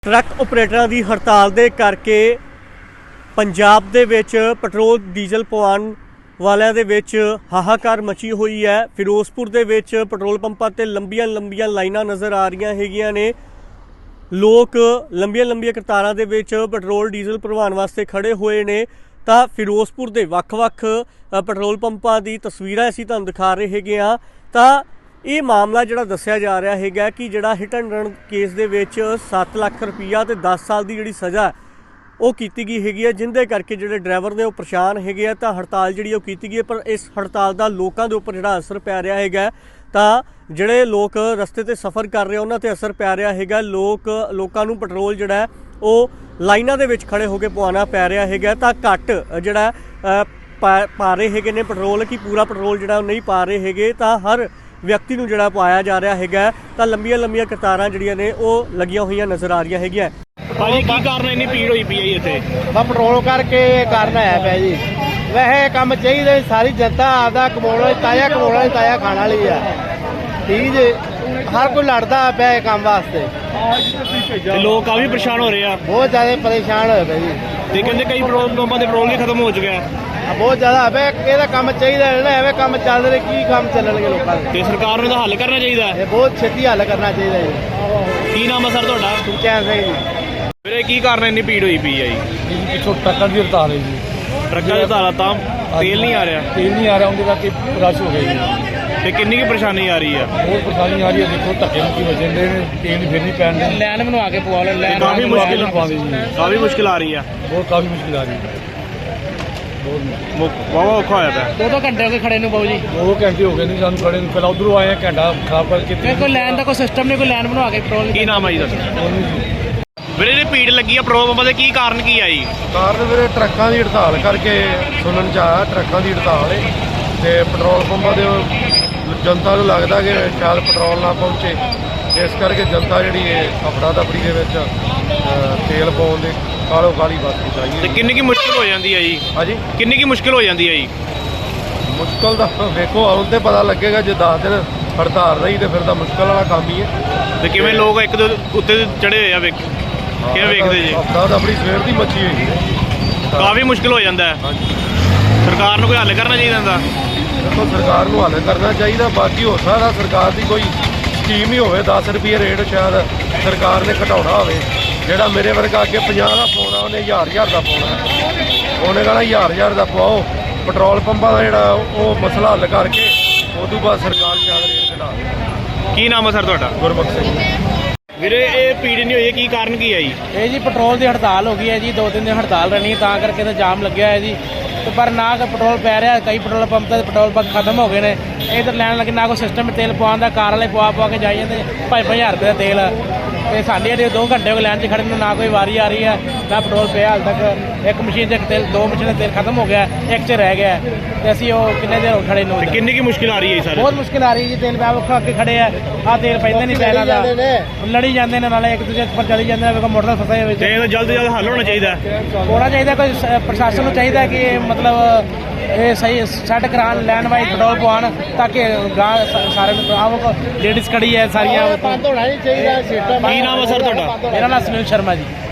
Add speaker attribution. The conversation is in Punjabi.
Speaker 1: ट्रक ਆਪਰੇਟਰਾਂ ਦੀ ਹੜਤਾਲ ਦੇ ਕਰਕੇ ਪੰਜਾਬ ਦੇ ਵਿੱਚ ਪੈਟਰੋਲ ਡੀਜ਼ਲ ਪਵਾਉਣ ਵਾਲਿਆਂ ਦੇ ਵਿੱਚ ਹਾਹਾਕਾਰ ਮਚੀ ਹੋਈ ਹੈ। ਫਿਰੋਜ਼ਪੁਰ ਦੇ ਵਿੱਚ ਪੈਟਰੋਲ ਪੰਪਾਂ ਤੇ ਲੰਬੀਆਂ ਲਾਈਨਾਂ ਨਜ਼ਰ ਆ ਰਹੀਆਂ ਹੈਗੀਆਂ ਨੇ। ਲੋਕ ਲੰਬੀਆਂ ਕਤਾਰਾਂ ਦੇ ਵਿੱਚ ਪੈਟਰੋਲ ਡੀਜ਼ਲ ਭਰਵਾਉਣ ਵਾਸਤੇ ਖੜੇ ਹੋਏ ਨੇ। ਤਾਂ ਫਿਰੋਜ਼ਪੁਰ ਦੇ ਵੱਖ-ਵੱਖ ਪੈਟਰੋਲ ਪੰਪਾਂ ਦੀ ਤਸਵੀਰਾਂ ਅਸੀਂ ਤੁਹਾਨੂੰ ਦਿਖਾ ਰਹੇ ਹੈਗੇ ਹਾਂ। ਤਾਂ ਇਹ ਮਾਮਲਾ ਜਿਹੜਾ ਦੱਸਿਆ ਜਾ ਰਿਹਾ ਹੈਗਾ ਕਿ ਜਿਹੜਾ ਹਿੱਟ ਐਂਡ ਰਨ ਕੇਸ ਦੇ ਵਿੱਚ 7 ਲੱਖ ਰੁਪਈਆ ਤੇ 10 ਸਾਲ ਦੀ ਜਿਹੜੀ ਸਜ਼ਾ ਉਹ ਕੀਤੀ ਗਈ ਹੈਗੀ ਹੈ, ਜਿੰਦੇ ਕਰਕੇ ਜਿਹੜੇ ਡਰਾਈਵਰ ਨੇ ਉਹ ਪਰੇਸ਼ਾਨ ਹੈਗੇ ਆ। ਤਾਂ ਹੜਤਾਲ ਜਿਹੜੀ ਉਹ ਕੀਤੀ ਗਈ ਹੈ, ਪਰ ਇਸ ਹੜਤਾਲ ਦਾ ਲੋਕਾਂ ਦੇ ਉੱਪਰ ਜਿਹੜਾ ਅਸਰ ਪੈ ਰਿਹਾ ਹੈਗਾ, ਤਾਂ ਜਿਹੜੇ ਲੋਕ ਰਸਤੇ ਤੇ ਸਫ਼ਰ ਕਰ ਰਹੇ ਉਹਨਾਂ ਤੇ ਅਸਰ ਪੈ ਰਿਹਾ ਹੈਗਾ। ਲੋਕਾਂ ਨੂੰ ਪੈਟਰੋਲ ਜਿਹੜਾ ਉਹ ਲਾਈਨਾਂ ਦੇ ਵਿੱਚ ਖੜੇ ਹੋ ਕੇ ਪਵਾਉਣਾ ਪੈ ਰਿਹਾ ਹੈਗਾ। ਤਾਂ ਘੱਟ ਜਿਹੜਾ ਪਾ ਰਹੇ ਹੈਗੇ ਨੇ ਪੈਟਰੋਲ, ਕਿ ਪੂਰਾ ਪੈਟਰੋਲ ਜਿਹੜਾ ਉਹ ਨਹੀਂ ਪਾ ਰਹੇ ਹੈਗੇ। ਤਾਂ ਹਰ ਵਿਅਕਤੀ ਨੂੰ ਜਿਹੜਾ ਪਾਇਆ ਜਾ ਰਿਹਾ ਹੈਗਾ। ਤਾਂ ਲੰਬੀਆਂ ਕਤਾਰਾਂ ਜਿਹੜੀਆਂ ਨੇ ਉਹ ਲੱਗੀਆਂ ਹੋਈਆਂ ਨਜ਼ਰ ਆ ਰਹੀਆਂ ਹੈਗੀਆਂ।
Speaker 2: ਭਾਜੀ ਕੀ ਕਾਰਨ ਇੰਨੀ ਭੀੜ ਹੋਈ ਪਈ ਹੈ ਇੱਥੇ?
Speaker 3: ਬਸ ਪੈਟਰੋਲ ਕਰਕੇ ਕਾਰਨ ਹੈ ਪਿਆ ਜੀ। ਵੈਸੇ ਕੰਮ ਚਾਹੀਦਾ, ਸਾਰੀ ਜਨਤਾ ਆਪਦਾ ਕਮਾਉਣ ਵਾਲੀ ਤਾਜ਼ਾ ਖਾਣ ਵਾਲੀ ਆ। ਠੀਕ ਜੀ, ਹਰ ਕੋਈ ਲੜਦਾ ਪਿਆ ਇਹ ਕੰਮ ਵਾਸਤੇ।
Speaker 2: ਤੇ ਲੋਕ ਕਾਫੀ ਪਰੇਸ਼ਾਨ ਹੋ ਰਹੇ ਆ,
Speaker 3: ਬਹੁਤ ਜ਼ਿਆਦਾ ਪਰੇਸ਼ਾਨ ਹੋਏ ਪਏ ਜੀ।
Speaker 2: ਤੇ ਕਹਿੰਦੇ ਕਈ ਪੈਟਰੋਲ ਪੰਪਾਂ ਦੇ ਪੈਟਰੋਲ ਵੀ ਖਤਮ ਹੋ ਚੁੱਕਿਆ।
Speaker 3: ਬਹੁਤ ਜ਼ਿਆਦਾ ਹੈ, ਇਹਦਾ ਕੰਮ ਚਾਹੀਦਾ ਨਾ। ਐਵੇਂ ਕੰਮ ਚੱਲ ਰਹੇ, ਕੀ ਕੰਮ ਚੱਲਣਗੇ ਲੋਕਾਂ ਦੇ?
Speaker 2: ਤੇ ਸਰਕਾਰ ਨੂੰ ਇਹਦਾ ਹੱਲ ਕਰਨਾ ਚਾਹੀਦਾ।
Speaker 3: ਇਹ ਬਹੁਤ ਛੇਤੀ ਹੱਲ ਕਰਨਾ ਚਾਹੀਦਾ ਜੀ।
Speaker 2: ਕੀ ਨਾਮ ਹੈ ਸਰ ਤੁਹਾਡਾ?
Speaker 3: ਸੁਖਚੈਨ ਸਿੰਘ ਜੀ।
Speaker 2: ਵੀਰੇ ਕੀ ਕਾਰਨ ਇੰਨੀ ਭੀੜ ਹੋਈ ਪਈ ਹੈ ਜੀ?
Speaker 4: ਪਿੱਛੋਂ ਟਰੱਕਾਂ ਦੀ ਹੜਤਾਲ ਹੈ ਜੀ।
Speaker 2: ਟਰੱਕਾਂ ਦੇ ਧਾਰਾ ਤਾਂ ਤੇਲ ਨਹੀਂ ਆ ਰਿਹਾ।
Speaker 4: ਤੇਲ ਨਹੀਂ ਆ ਰਿਹਾ, ਉਹਦੇ ਕਰਕੇ ਰਸ਼ ਹੋ ਗਿਆ ਜੀ।
Speaker 2: ਤੇ ਕਿੰਨੀ ਕੀ ਪਰੇਸ਼ਾਨੀ ਆ ਰਹੀ ਆ?
Speaker 4: ਬਹੁਤ ਪਰੇਸ਼ਾਨੀ ਆ ਰਹੀ ਹੈ। ਦੇਖੋ ਧੱਕੇ ਮੁੱਕੀ ਵੱਜਣ ਦੇ ਨੇ, ਤੇਲ ਫਿਰ ਨਹੀਂ ਪੈਣ ਦੇ।
Speaker 3: ਲੈਨ ਬਣਵਾ ਕੇ ਪਵਾ ਲਓ। ਲੈਨ
Speaker 2: ਕਾਫੀ ਮੁਸ਼ਕਿਲ
Speaker 4: ਪਾਉਂਦੇ ਜੀ,
Speaker 2: ਕਾਫੀ ਮੁਸ਼ਕਿਲ ਆ ਰਹੀ ਆ।
Speaker 4: ਕਾਫੀ ਮੁਸ਼ਕਿਲ ਆ ਰਹੀ ਹੈ।
Speaker 2: ਵਾਵਾ ਔਖਾ ਹੋਇਆ ਪਿਆ।
Speaker 3: 2 ਘੰਟੇ ਹੋ ਗਏ ਖੜੇ ਨੂੰ ਬਾਊ ਜੀ।
Speaker 4: 2 ਘੰਟੇ ਹੋ ਗਏ ਨੇ ਸਾਨੂੰ ਖੜੇ ਨੂੰ। ਪਹਿਲਾਂ ਉਧਰੋਂ ਆਏ ਆ, ਘੰਟਾ ਖਰਾਬ ਕਰਕੇ।
Speaker 3: ਕੋਈ ਲੈਨ ਦਾ ਕੋਈ ਸਿਸਟਮ ਨਹੀਂ, ਕੋਈ ਲੈਨ ਬਣਵਾ ਕੇ ਪੈਟਰੋਲ।
Speaker 2: ਕੀ ਨਾਮ ਆ ਜੀ ਤੁਹਾਡਾ? ਵੀਰੇ ਜਿਹੜੀ ਭੀੜ ਲੱਗੀ ਆ ਪੈਟਰੋਲ ਪੰਪਾਂ ਦੇ, ਕੀ ਕਾਰਨ ਕੀ ਆ ਜੀ?
Speaker 5: ਕਾਰਨ ਵੀਰੇ ਟਰੱਕਾਂ ਦੀ ਹੜਤਾਲ ਕਰਕੇ ਸੁਣਨ ਚ ਆਇਆ। ਟਰੱਕਾਂ ਦੀ ਹੜਤਾਲ ਹੈ ਤੇ ਪੈਟਰੋਲ ਪੰਪਾਂ ਦੇ ਜਨਤਾ ਨੂੰ ਲੱਗਦਾ ਕਿ ਸ਼ਾਇਦ ਪੈਟਰੋਲ ਨਾ ਪਹੁੰਚੇ, ਇਸ ਕਰਕੇ ਜਨਤਾ ਜਿਹੜੀ ਹੈ ਅਫੜਾ ਦਫੜੀ ਦੇ ਵਿੱਚ ਤੇਲ ਪਾਉਣ ਦੇ ਕਾਲੀ ਵਸਦੀ
Speaker 2: ਤੇ
Speaker 5: ਚਾਹੀਏ।
Speaker 2: ਕਿੰਨੀ ਕੀ ਮੁਸ਼ਕਿਲ ਹੋ ਜਾਂਦੀ ਆ ਜੀ?
Speaker 5: ਹਾਂਜੀ,
Speaker 2: ਕਿੰਨੀ ਕੀ ਮੁਸ਼ਕਿਲ ਹੋ ਜਾਂਦੀ ਆ ਜੀ?
Speaker 5: ਮੁਸ਼ਕਲ ਦਾ ਵੇਖੋ ਹੁਣ ਤੇ ਪਤਾ ਲੱਗੇਗਾ। ਜੇ 10 ਦਿਨ ਹੜਤਾਲ ਰਹੀ ਤੇ ਫਿਰ ਤਾਂ ਮੁਸ਼ਕਲ ਵਾਲਾ ਕੰਮ ਹੀ ਹੈ।
Speaker 2: ਤੇ ਕਿਵੇਂ ਲੋਕ ਇੱਕ ਦੇ ਉੱਤੇ ਚੜੇ ਹੋਏ ਆ, ਕਿਵੇਂ ਵੇਖਦੇ ਜੀ?
Speaker 5: ਅਫੜਾ ਦਫੜੀ ਸਵੇਰ ਦੀ ਮੱਛੀ ਹੋਈ ਹੈ।
Speaker 2: ਕਾਫੀ ਮੁਸ਼ਕਿਲ ਹੋ ਜਾਂਦਾ ਹੈ।
Speaker 5: ਹਾਂਜੀ,
Speaker 2: ਸਰਕਾਰ ਨੂੰ ਕੋਈ ਹੱਲ ਕਰਨਾ ਚਾਹੀਦਾ ਇਹਦਾ।
Speaker 5: ਦੇਖੋ ਸਰਕਾਰ ਨੂੰ ਹੱਲ ਕਰਨਾ ਚਾਹੀਦਾ। ਬਾਕੀ ਹੋ ਸਕਦਾ ਸਰਕਾਰ ਦੀ ਕੋਈ ਸਕੀਮ ਹੀ ਹੋਵੇ। 10 ਰੁਪਏ ਰੇਟ ਸ਼ਾਇਦ ਸਰਕਾਰ ਨੇ ਘਟਾਉਣਾ ਹੋਵੇ। ਜਿਹੜਾ ਮੇਰੇ ਵਰਗਾ ਅੱਗੇ 50 ਦਾ ਪਾਉਣਾ, ਉਹਨੇ 1000 ਦਾ ਪਾਉਣਾ। ਉਹਨੇ ਕਹਿਣਾ 1000 ਦਾ ਪਾਓ। ਪੈਟਰੋਲ ਪੰਪਾਂ ਦਾ ਜਿਹੜਾ ਉਹ ਮਸਲਾ ਹੱਲ ਕਰਕੇ ਉਦੋਂ ਬਾਅਦ ਸਰਕਾਰ ਸ਼ਾਇਦ ਰੇਟ ਘਟਾ ਦੇ।
Speaker 2: ਕੀ ਨਾਮ ਹੈ ਸਰ ਤੁਹਾਡਾ?
Speaker 5: ਗੁਰਬਖਸ਼ ਸਿੰਘ।
Speaker 2: ਵੀਰੇ ਇਹ ਭੀੜ ਨਹੀਂ ਹੋਈ, ਕੀ ਕਾਰਨ ਕੀ ਹੈ ਜੀ?
Speaker 3: ਇਹ ਜੀ ਪੈਟਰੋਲ ਦੀ ਹੜਤਾਲ ਹੋ ਗਈ ਹੈ ਜੀ। 2-3 ਦਿਨ ਹੜਤਾਲ ਰਹਿਣੀ, ਤਾਂ ਕਰਕੇ ਤਾਂ ਜਾਮ ਲੱਗਿਆ ਹੈ ਜੀ। ਤੇ ਪਰ ਨਾ ਕੋਈ ਪੈਟਰੋਲ ਪੈ ਰਿਹਾ। ਕਈ ਪੈਟਰੋਲ ਪੰਪ ਤੇ ਪੈਟਰੋਲ ਪੰਪ ਖਤਮ ਹੋ ਗਏ ਨੇ। ਇਧਰ ਲੈਣ ਲੱਗੇ, ਨਾ ਕੋਈ ਸਿਸਟਮ ਤੇਲ ਪਵਾਉਣ ਦਾ। ਕਾਰ ਵਾਲੇ ਪਵਾ ਕੇ ਜਾਈ ਜਾਂਦੇ 5,000 ਰੁਪਏ ਦਾ ਤੇਲ। ਤੇ ਸਾਡੇ ਜਿਹੜੇ 2 ਘੰਟੇ ਹੋ ਗਏ ਲਾਈਨ 'ਚ ਖੜੇ ਨੂੰ, ਨਾ ਕੋਈ ਵਾਰੀ ਆ ਰਹੀ ਹੈ, ਨਾ ਪੈਟਰੋਲ ਪਿਆ ਹਾਲ ਤੱਕ। ਇੱਕ ਮਸ਼ੀਨ 'ਚ ਤੇਲ, 2 ਮਸ਼ੀਨਾਂ ਤੇਲ ਖਤਮ ਹੋ ਗਿਆ, ਇੱਕ 'ਚ ਰਹਿ ਗਿਆ। ਤੇ ਅਸੀਂ ਉਹ ਕਿੰਨੇ ਦੇਰ ਹੋ ਖੜੇ ਨੂੰ।
Speaker 2: ਤੇ ਕਿੰਨੀ ਕੀ ਮੁਸ਼ਕਿਲ ਆ ਰਹੀ ਹੈ ਸਰ?
Speaker 3: ਬਹੁਤ ਮੁਸ਼ਕਿਲ ਆ ਰਹੀ ਜੀ। ਤੇਲ ਪਿਆ ਵੱਖਾ ਅੱਗੇ ਖੜੇ ਆ ਤੇਲ ਪੈਂਦਾ ਨਹੀਂ ਪੈਣਾ ਦਾ। ਲੜੀ ਜਾਂਦੇ ਨੇ, ਨਾਲੇ ਇੱਕ ਦੂਜੇ ਉੱਪਰ ਚਲੀ ਜਾਂਦੇ ਨੇ। ਵੇਖੋ ਮੋਟਰਸਾਈਕਲ ਫਸੇ ਹੋਏ।
Speaker 2: ਤੇ ਇਹਦਾ ਜਲਦ ਤੋਂ ਜਲਦ ਹੱਲ ਹੋਣਾ ਚਾਹੀਦਾ।
Speaker 3: ਹੋਣਾ ਚਾਹੀਦਾ। ਕੋਈ ਪ੍ਰਸ਼ਾਸਨ ਨੂੰ ਚਾਹੀਦਾ ਕਿ ਮਤਲਬ ਇਹ ਸਹੀ ਸੈੱਟ ਕਰਾਉਣ, ਲੈਣ ਵਾਈਜ਼ ਪੈਟਰੋਲ ਪਵਾਉਣ, ਤਾਂ ਕਿ ਸਾਰਿਆਂ ਨੂੰ ਆਹ ਲੇਡੀਜ਼ ਖੜੀ ਹੈ ਸਾਰੀਆਂ।
Speaker 2: ਕੀ ਨਾਮ ਹੈ ਸਰ ਤੁਹਾਡਾ?
Speaker 3: ਮੇਰਾ ਨਾਮ ਸੁਨੀਲ ਸ਼ਰਮਾ ਜੀ।